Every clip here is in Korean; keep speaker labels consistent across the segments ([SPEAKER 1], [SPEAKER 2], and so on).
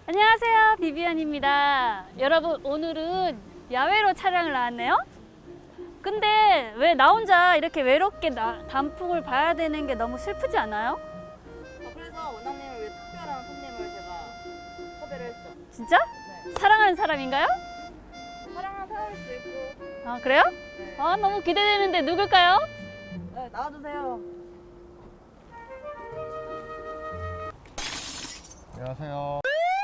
[SPEAKER 1] 안녕하세요, 비비안입니다. 여러분, 오늘은 야외로 촬영을 나왔네요. 근데 왜 나 혼자 이렇게 외롭게 단풍을 봐야 되는 게 너무 슬프지 않아요?
[SPEAKER 2] 그래서 원장님을 위해 특별한 손님을 제가 섭외를 했죠.
[SPEAKER 1] 진짜?
[SPEAKER 2] 네.
[SPEAKER 1] 사랑하는 사람인가요?
[SPEAKER 2] 사랑하는 사람일 수도 있고.
[SPEAKER 1] 아, 그래요?
[SPEAKER 2] 네.
[SPEAKER 1] 아, 너무 기대되는데 누굴까요?
[SPEAKER 2] 네, 나와주세요.
[SPEAKER 3] 안녕하세요.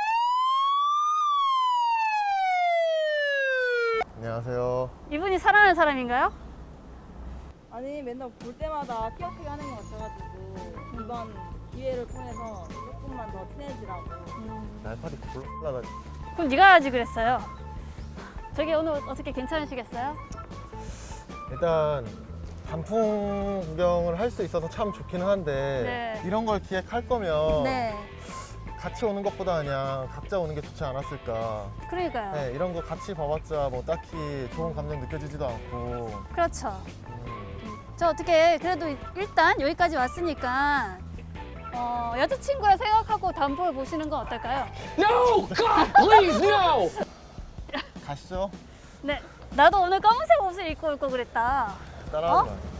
[SPEAKER 3] 안녕하세요.
[SPEAKER 1] 이분이 사랑하는 사람인가요?
[SPEAKER 2] 아니 맨날 볼 때마다 티격태격 하는 것 같아가지고 이번 기회를 통해서 조금만 더 친해지라고.
[SPEAKER 3] 날파리 굴러다니.
[SPEAKER 1] 그럼 네가 하지 그랬어요. 저기 오늘 어떻게 괜찮으시겠어요?
[SPEAKER 3] 일단 단풍 구경을 할 수 있어서 참 좋기는 한데
[SPEAKER 1] 네.
[SPEAKER 3] 이런 걸 기획할 거면
[SPEAKER 1] 네.
[SPEAKER 3] 같이 오는 것보다 그냥 각자 오는 게 좋지 않았을까.
[SPEAKER 1] 그러니까요.
[SPEAKER 3] 네, 이런 거 같이 봐봤자 뭐 딱히 좋은 감정 느껴지지도 않고.
[SPEAKER 1] 그렇죠.
[SPEAKER 3] 음,
[SPEAKER 1] 저 어떻게 그래도 일단 여기까지 왔으니까 여자친구라 생각하고 단풍을 보시는 건 어떨까요?
[SPEAKER 4] No! God, please, no!
[SPEAKER 3] 가시죠.
[SPEAKER 1] 네. 나도 오늘 검은색 옷을 입고 올 거 그랬다.
[SPEAKER 3] 따라하지 마요.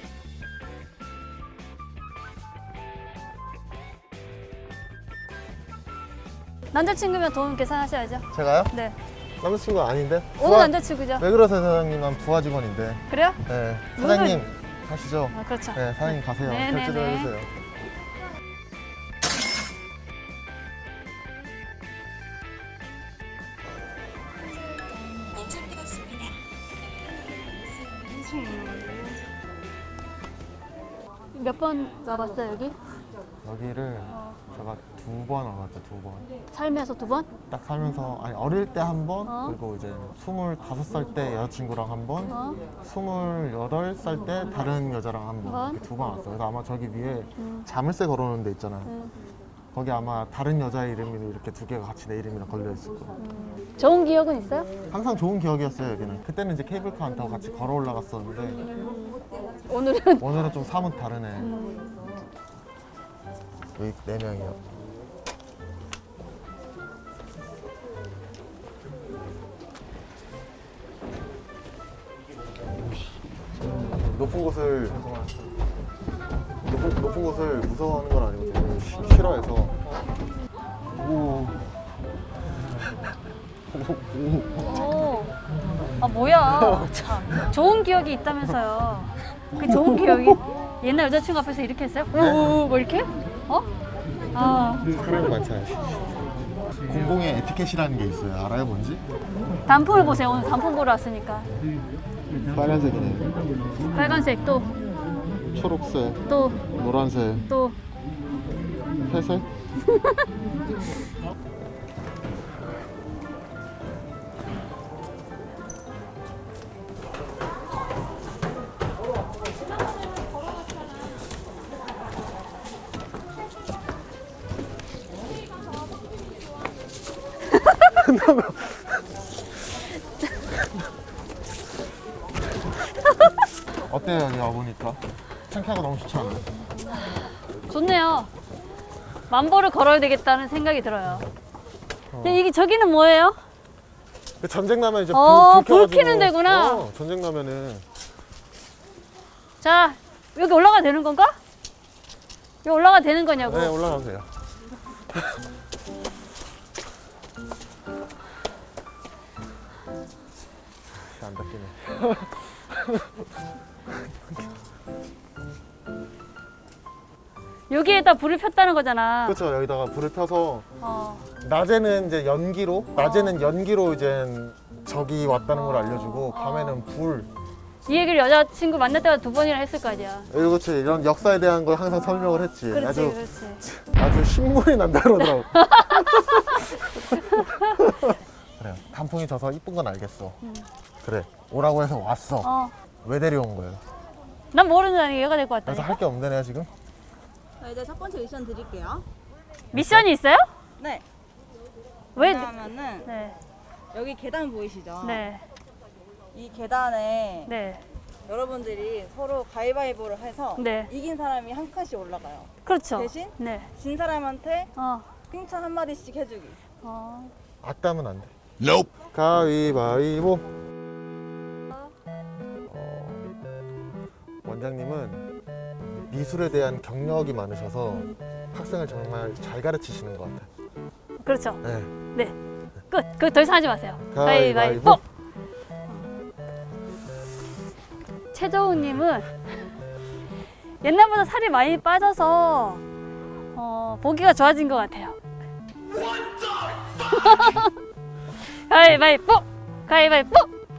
[SPEAKER 1] 남자친구면 돈 계산하셔야죠.
[SPEAKER 3] 제가요?
[SPEAKER 1] 네.
[SPEAKER 3] 남자친구가 아닌데?
[SPEAKER 1] 오늘 남자친구죠.
[SPEAKER 3] 왜 그러세요, 사장님? 난 부하 직원인데.
[SPEAKER 1] 그래요?
[SPEAKER 3] 네, 사장님 가시죠.
[SPEAKER 1] 아, 그렇죠.
[SPEAKER 3] 네, 사장님 가세요.
[SPEAKER 1] 네,
[SPEAKER 3] 결제 좀
[SPEAKER 1] 네, 네.
[SPEAKER 3] 해주세요.
[SPEAKER 1] 몇 번 와봤어요, 여기?
[SPEAKER 3] 여기를 제가 2번 와봤죠, 2번.
[SPEAKER 1] 살면서 2번?
[SPEAKER 3] 딱 살면서, 아니, 어릴 때 한 번,
[SPEAKER 1] 어.
[SPEAKER 3] 그리고 이제 25살 때 여자친구랑 한 번,
[SPEAKER 1] 어?
[SPEAKER 3] 28살 때 다른 여자랑 한 번,
[SPEAKER 1] 번?
[SPEAKER 3] 이렇게 2번 왔어요. 그래서 아마 저기 위에
[SPEAKER 1] 음.
[SPEAKER 3] 자물쇠 걸어놓은 데 있잖아요.
[SPEAKER 1] 음.
[SPEAKER 3] 거기 아마 다른 여자의 이름이 이렇게 2개가 같이 내 이름이랑 걸려있을 거예요.
[SPEAKER 1] 좋은 기억은 있어요?
[SPEAKER 3] 항상 좋은 기억이었어요, 여기는. 그때는 이제 케이블카 안 타고 같이 걸어 올라갔었는데,
[SPEAKER 1] 오늘은
[SPEAKER 3] 오늘은 좀 사뭇 다르네. 여기 4명이요. 높은 곳을 높은 곳을 무서워하는 건 아니고 되게 싫어해서. 오.
[SPEAKER 1] 오. 아, 뭐야. 참. 좋은 기억이 있다면서요. 그 좋은 기억이 옛날 여자친구 앞에서 이렇게 했어요? 오, 뭐 이렇게? 어? 아,
[SPEAKER 3] 사람이 많잖아요. 공공의 에티켓이라는 게 있어요. 알아요, 뭔지?
[SPEAKER 1] 단풍을 보세요. 오늘 단풍 보러 왔으니까.
[SPEAKER 3] 빨간색이네.
[SPEAKER 1] 빨간색 또,
[SPEAKER 3] 초록색,
[SPEAKER 1] 또,
[SPEAKER 3] 노란색,
[SPEAKER 1] 또.
[SPEAKER 3] 회색. 어때요, 여기 와보니까? 상쾌하고 너무 좋지 않나요?
[SPEAKER 1] 좋네요. 만보를 걸어야 되겠다는 생각이 들어요. 근데 이게 저기는 뭐예요?
[SPEAKER 3] 그 전쟁 나면 이제
[SPEAKER 1] 불
[SPEAKER 3] 켜가지고.
[SPEAKER 1] 켜는 데구나.
[SPEAKER 3] 전쟁 나면은.
[SPEAKER 1] 자, 여기 올라가 되는 건가? 여기 올라가 되는 거냐고.
[SPEAKER 3] 네, 올라가면 돼요. 안 닦이네.
[SPEAKER 1] 여기에다 불을 폈다는 거잖아.
[SPEAKER 3] 그렇죠. 여기다가 불을 펴서
[SPEAKER 1] 어.
[SPEAKER 3] 낮에는 이제 연기로 이제 저기 왔다는 걸 알려주고 밤에는 불.
[SPEAKER 1] 이 얘기를 여자친구 만날 때마다 2번이나 했을 거 아니야.
[SPEAKER 3] 그렇지. 이런 역사에 대한 걸 항상 설명을 했지.
[SPEAKER 1] 그렇지,
[SPEAKER 3] 아주
[SPEAKER 1] 그렇지.
[SPEAKER 3] 아주 신물이 난다 그러더라고. 그래요. 단풍이 져서 이쁜 건 알겠어. 그래. 오라고 해서 왔어.
[SPEAKER 1] 어.
[SPEAKER 3] 왜 데려온 거예요?
[SPEAKER 1] 난 모르는 아니 얘가 될 것
[SPEAKER 3] 그래서
[SPEAKER 1] 같다니까.
[SPEAKER 3] 할 게 없네 지금.
[SPEAKER 2] 자, 이제 첫 번째 미션 드릴게요.
[SPEAKER 1] 미션이 있어요?
[SPEAKER 2] 네.
[SPEAKER 1] 왜?
[SPEAKER 2] 왜냐하면은
[SPEAKER 1] 네.
[SPEAKER 2] 여기 계단 보이시죠?
[SPEAKER 1] 네.
[SPEAKER 2] 이 계단에
[SPEAKER 1] 네.
[SPEAKER 2] 여러분들이 서로 가위바위보를 해서
[SPEAKER 1] 네.
[SPEAKER 2] 이긴 사람이 한 칸씩 올라가요.
[SPEAKER 1] 그렇죠.
[SPEAKER 2] 대신?
[SPEAKER 1] 네.
[SPEAKER 2] 진 사람한테
[SPEAKER 1] 어.
[SPEAKER 2] 칭찬 한마디씩 해주기.
[SPEAKER 3] 악담은 안 돼. Nope. 가위바위보. 원장님은 미술에 대한 경력이 많으셔서 학생을 정말 잘 가르치시는 것 같아요.
[SPEAKER 1] 그렇죠.
[SPEAKER 3] 네.
[SPEAKER 1] 네. 끝. 그 더 이상 하지 마세요.
[SPEAKER 3] 가위바위보.
[SPEAKER 1] 최정우님은 옛날보다 살이 많이 빠져서 보기가 좋아진 것 같아요. 가위바위보. 가위바위보.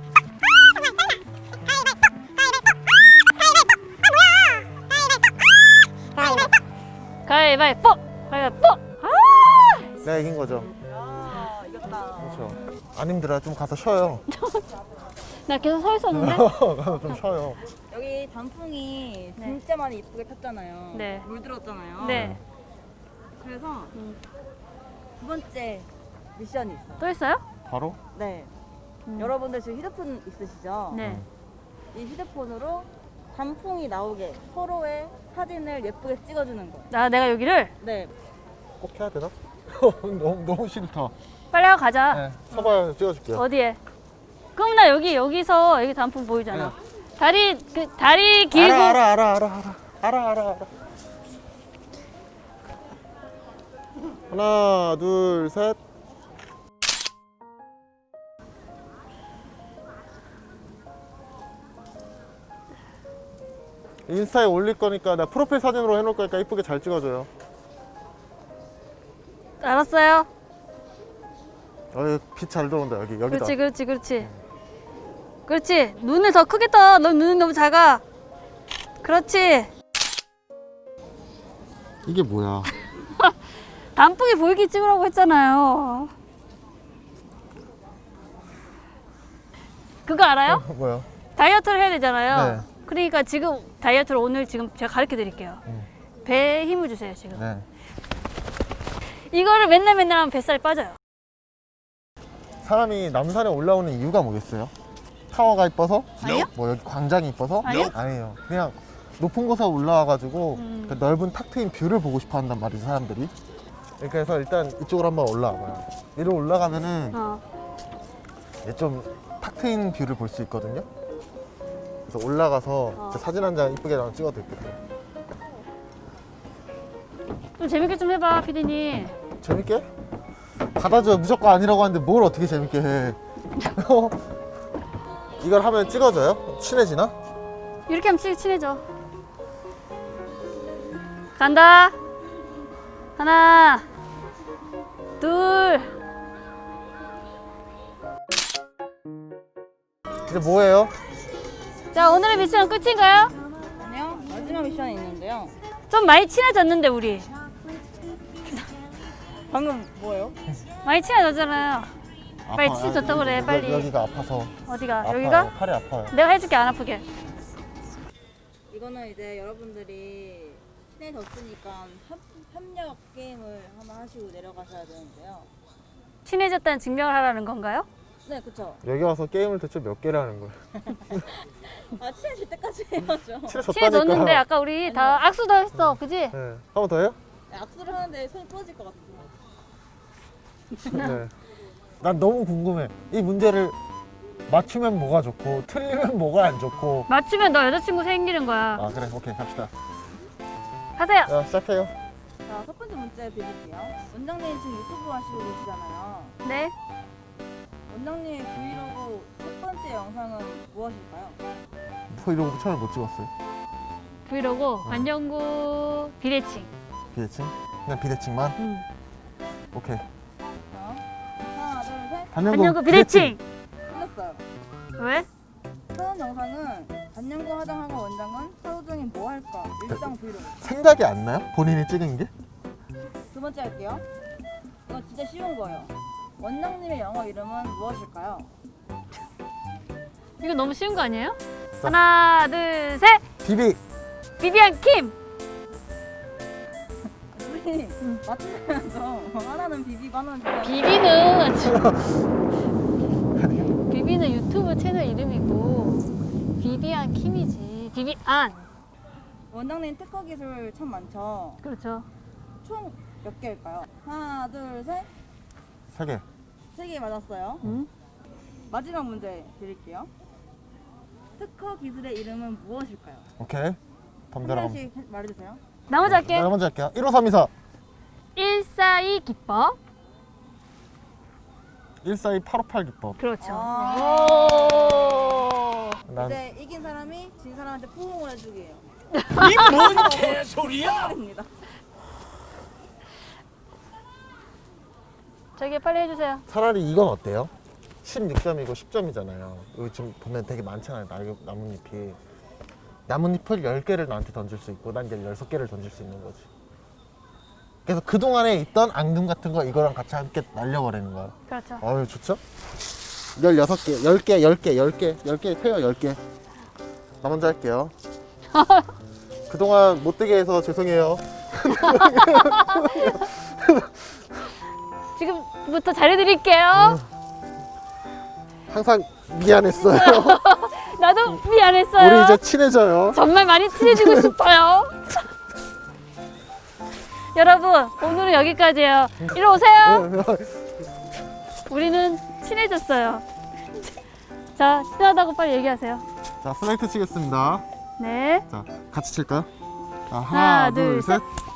[SPEAKER 1] 가위바위보. 가위바위보.
[SPEAKER 3] 내가 이긴 거죠.
[SPEAKER 2] 야, 이겼다.
[SPEAKER 3] 그렇죠. 안 힘들어요. 좀 가서 쉬어요.
[SPEAKER 1] 나 계속 서 있었는데.
[SPEAKER 3] 가서 좀 쉬어요.
[SPEAKER 2] 여기 단풍이
[SPEAKER 1] 네.
[SPEAKER 2] 진짜 많이 이쁘게 폈잖아요.
[SPEAKER 1] 네.
[SPEAKER 2] 물들었잖아요.
[SPEAKER 1] 네.
[SPEAKER 2] 그래서 두 번째 미션이 있어요.
[SPEAKER 1] 또 있어요?
[SPEAKER 3] 바로?
[SPEAKER 2] 네. 여러분들 지금 휴대폰 있으시죠?
[SPEAKER 1] 네.
[SPEAKER 2] 이 휴대폰으로 단풍이 나오게 서로의 사진을 예쁘게 찍어주는 거예요.
[SPEAKER 1] 내가 여기를
[SPEAKER 2] 네.
[SPEAKER 3] 꼭 해야 되나? 너무 싫다.
[SPEAKER 1] 빨리 하고 가자.
[SPEAKER 3] 네. 서봐요. 찍어줄게요.
[SPEAKER 1] 어디에? 그럼 나 여기서 여기 단풍 보이잖아. 다리 길고.
[SPEAKER 3] 알아. 하나, 둘, 셋. 인스타에 올릴 거니까 나 프로필 사진으로 해놓을 거니까 이쁘게 잘 찍어줘요.
[SPEAKER 1] 알았어요.
[SPEAKER 3] 빛 잘 들어온다 여기다.
[SPEAKER 1] 그렇지. 눈을 더 크게 떠. 너 눈이 너무 작아. 그렇지.
[SPEAKER 3] 이게 뭐야?
[SPEAKER 1] 단풍이 보이게 찍으라고 했잖아요. 그거 알아요?
[SPEAKER 3] 뭐야?
[SPEAKER 1] 다이어트를 해야 되잖아요.
[SPEAKER 3] 네.
[SPEAKER 1] 그러니까 지금 다이어트를 오늘 지금 제가 가르쳐 드릴게요. 배에 힘을 주세요, 지금.
[SPEAKER 3] 네.
[SPEAKER 1] 이거를 맨날 하면 뱃살이 빠져요.
[SPEAKER 3] 사람이 남산에 올라오는 이유가 뭐겠어요? 타워가 이뻐서?
[SPEAKER 1] 아니요.
[SPEAKER 3] 뭐 여기 광장이 이뻐서?
[SPEAKER 1] 아니요.
[SPEAKER 3] 아니에요. 그냥 높은 곳에 올라와가지고
[SPEAKER 1] 음.
[SPEAKER 3] 그 넓은 탁 트인 뷰를 보고 싶어 한단 말이죠, 사람들이. 그래서 일단 이쪽으로 한번 올라와봐요. 위로 올라가면은 이제 좀 탁 트인 뷰를 볼 수 있거든요. 그래서 올라가서 제 사진 한 장 이쁘게 나랑 찍어드릴게요.
[SPEAKER 1] 좀 재밌게 좀 해봐, 피디님.
[SPEAKER 3] 재밌게? 받아줘. 무조건 아니라고 하는데 뭘 어떻게 재밌게 해. 이걸 하면 찍어줘요? 친해지나?
[SPEAKER 1] 이렇게 하면 친해져. 간다. 하나, 둘.
[SPEAKER 3] 이제 뭐예요?
[SPEAKER 1] 자, 오늘의 미션은 끝인가요?
[SPEAKER 2] 아니요. 마지막 미션이 있는데요.
[SPEAKER 1] 좀 많이 친해졌는데, 우리.
[SPEAKER 2] 방금 뭐예요?
[SPEAKER 1] 많이 친해졌잖아요. 빨리
[SPEAKER 3] 아파.
[SPEAKER 1] 친해졌다고 그래, 빨리.
[SPEAKER 3] 여기가 아파서.
[SPEAKER 1] 어디가?
[SPEAKER 3] 아파요.
[SPEAKER 1] 여기가?
[SPEAKER 3] 팔이 아파요.
[SPEAKER 1] 내가 해줄게, 안 아프게.
[SPEAKER 2] 이거는 이제 여러분들이 친해졌으니까 협력 게임을 한번 하시고 내려가셔야 되는데요.
[SPEAKER 1] 친해졌다는 증명을 하라는 건가요?
[SPEAKER 2] 네, 그쵸.
[SPEAKER 3] 여기 와서 게임을 대체 몇 개를 하는 거예요?
[SPEAKER 2] 아, 친해질 때까지 해야죠.
[SPEAKER 3] 친해졌다니까.
[SPEAKER 1] 친해졌는데 아까 우리 다 악수도 했어, 그지?
[SPEAKER 3] 네. 한 번 더 해요?
[SPEAKER 2] 네, 악수를 하는데 손이 부러질 것 같아요.
[SPEAKER 3] 네. 난 너무 궁금해. 이 문제를 맞추면 뭐가 좋고 틀리면 뭐가 안 좋고.
[SPEAKER 1] 맞추면 너 여자친구 생기는 거야.
[SPEAKER 3] 아 그래, 오케이 갑시다.
[SPEAKER 1] 하세요.
[SPEAKER 3] 자 시작해요.
[SPEAKER 2] 자, 첫 번째 문제 드릴게요. 원장님 지금 유튜브 하시고 계시잖아요.
[SPEAKER 1] 네.
[SPEAKER 2] 원장님의 브이로그 첫 번째 영상은 무엇일까요?
[SPEAKER 3] 브이로그 처음에 못 찍었어요.
[SPEAKER 1] 브이로그 안녕구 비대칭.
[SPEAKER 3] 비대칭? 그냥 비대칭만? 오케이.
[SPEAKER 2] 자, 하나, 둘, 셋.
[SPEAKER 1] 안녕구 비대칭.
[SPEAKER 2] 틀렸어요.
[SPEAKER 1] 왜?
[SPEAKER 2] 첫 영상은 안녕구 화장학원 원장은 하루 종일 뭐 할까? 일상 브이로그.
[SPEAKER 3] 생각이 안 나요? 본인이 찍은 게?
[SPEAKER 2] 두 번째 할게요. 이거 진짜 쉬운 거예요. 원장님의 영어 이름은 무엇일까요?
[SPEAKER 1] 이거 너무 쉬운 거 아니에요? 하나, 둘, 셋.
[SPEAKER 3] 비비.
[SPEAKER 1] 비비안 킴.
[SPEAKER 2] 우리 맞추면서 하나는 비비고 하나는
[SPEAKER 1] 비비는 유튜브 채널 이름이고 비비안 킴이지. 비비안.
[SPEAKER 2] 원장님 특허 기술 참 많죠.
[SPEAKER 1] 그렇죠.
[SPEAKER 2] 총 몇 개일까요? 하나, 둘, 셋.
[SPEAKER 3] 3개.
[SPEAKER 2] 3개 맞았어요. 마지막 문제 드릴게요. 특허 기술의 이름은 무엇일까요?
[SPEAKER 3] 오케이.
[SPEAKER 2] 한
[SPEAKER 3] 덤벼라.
[SPEAKER 2] 명씩 말해주세요.
[SPEAKER 1] 나 먼저 할게.
[SPEAKER 3] 내가 먼저 할게요. 15324.
[SPEAKER 1] 142 기법.
[SPEAKER 3] 142-858 기법.
[SPEAKER 1] 그렇죠.
[SPEAKER 3] 난
[SPEAKER 2] 이제 이긴 사람이 진 사람한테 포옹을 해주기예요.
[SPEAKER 4] 이뭔 개소리야?
[SPEAKER 2] 입니다.
[SPEAKER 1] 저기 빨리 해주세요.
[SPEAKER 3] 차라리 이건 어때요? 16점이고 10점이잖아요. 여기 좀 보면 되게 많잖아요. 나뭇잎이. 나뭇잎을 10개를 나한테 던질 수 있고 난 16개를 던질 수 있는 거지. 그래서 그동안에 있던 앙금 같은 거 이거랑 같이 함께 날려버리는 거야.
[SPEAKER 1] 그렇죠.
[SPEAKER 3] 어유 좋죠? 16개, 10개 펴요, 10개. 나 먼저 할게요. 그동안 못되게 해서 죄송해요.
[SPEAKER 1] 지금부터 잘해드릴게요.
[SPEAKER 3] 항상 미안했어요.
[SPEAKER 1] 나도 미안했어요.
[SPEAKER 3] 우리 이제 친해져요.
[SPEAKER 1] 정말 많이 친해지고 싶어요. 여러분, 오늘은 여기까지예요. 이리 오세요. 우리는 친해졌어요. 자, 친하다고 빨리 얘기하세요.
[SPEAKER 3] 자, 슬라이트 치겠습니다.
[SPEAKER 1] 네.
[SPEAKER 3] 자, 같이 칠까요? 자,
[SPEAKER 1] 하나,
[SPEAKER 3] 하나,
[SPEAKER 1] 둘,
[SPEAKER 3] 둘, 셋.